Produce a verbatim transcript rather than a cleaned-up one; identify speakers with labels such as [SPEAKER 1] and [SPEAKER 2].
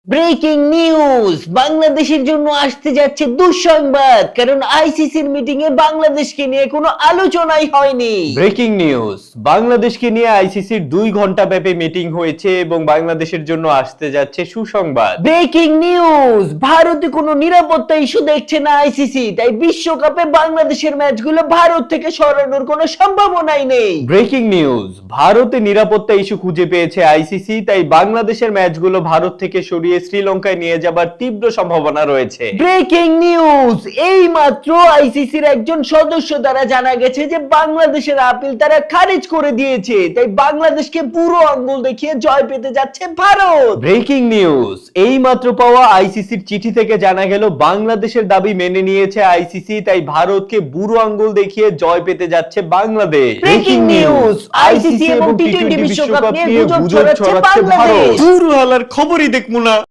[SPEAKER 1] Breaking news, বাংলাদেশের জন্য আসতে যাচ্ছে দুঃসংবাদ, কারণ আইসিসির মিটিং এ বাংলাদেশকে নিয়ে কোনো আলোচনাই হয়নি।
[SPEAKER 2] ব্রেকিং নিউজ, বাংলাদেশকে নিয়ে আইসিসির দুই ঘন্টা ব্যাপী মিটিং হয়েছে এবং বাংলাদেশের জন্য আসতে যাচ্ছে সুসংবাদ।
[SPEAKER 1] ব্রেকিং নিউজ, ভারতে কোনো নিরাপত্তা ইস্যু দেখছে না আইসিসি, তাই বিশ্বকাপে বাংলাদেশের ম্যাচগুলো ভারত থেকে সরানোর কোনো সম্ভাবনাই নেই।
[SPEAKER 2] ব্রেকিং নিউজ, ভারতে নিরাপত্তা ইস্যু খুঁজে পেয়েছে আইসিসি, তাই বাংলাদেশের ম্যাচগুলো ভারত থেকে সরিয়ে শ্রীলঙ্কায় নিয়ে যাবার তীব্র সম্ভাবনা রয়েছে।
[SPEAKER 1] ব্রেকিং নিউজ, এই মাত্র আইসিসির একজন সদস্য দ্বারা জানা গেছে যে বাংলাদেশের আপিল তারা খারিজ করে দিয়েছে, তাই বাংলাদেশকে পুরো আঙ্গুল দেখিয়ে জয় পেতে যাচ্ছে ভারত।
[SPEAKER 2] ব্রেকিং নিউজ, এই মাত্র পাওয়া আইসিসির চিঠি থেকে জানা গেল বাংলাদেশের দাবি মেনে নিয়েছে আইসিসি, তাই ভারতকে বুড়ো আঙ্গুল দেখিয়ে জয় পেতে যাচ্ছে বাংলাদেশ।
[SPEAKER 1] ব্রেকিং নিউজ, আইসিসি এবং টি টোয়েন্টি বিশ্বকাপ নিয়ে গুজব ছড়াচ্ছে বাংলাদেশ।
[SPEAKER 2] পুরো হালার খবরই দেখবো না।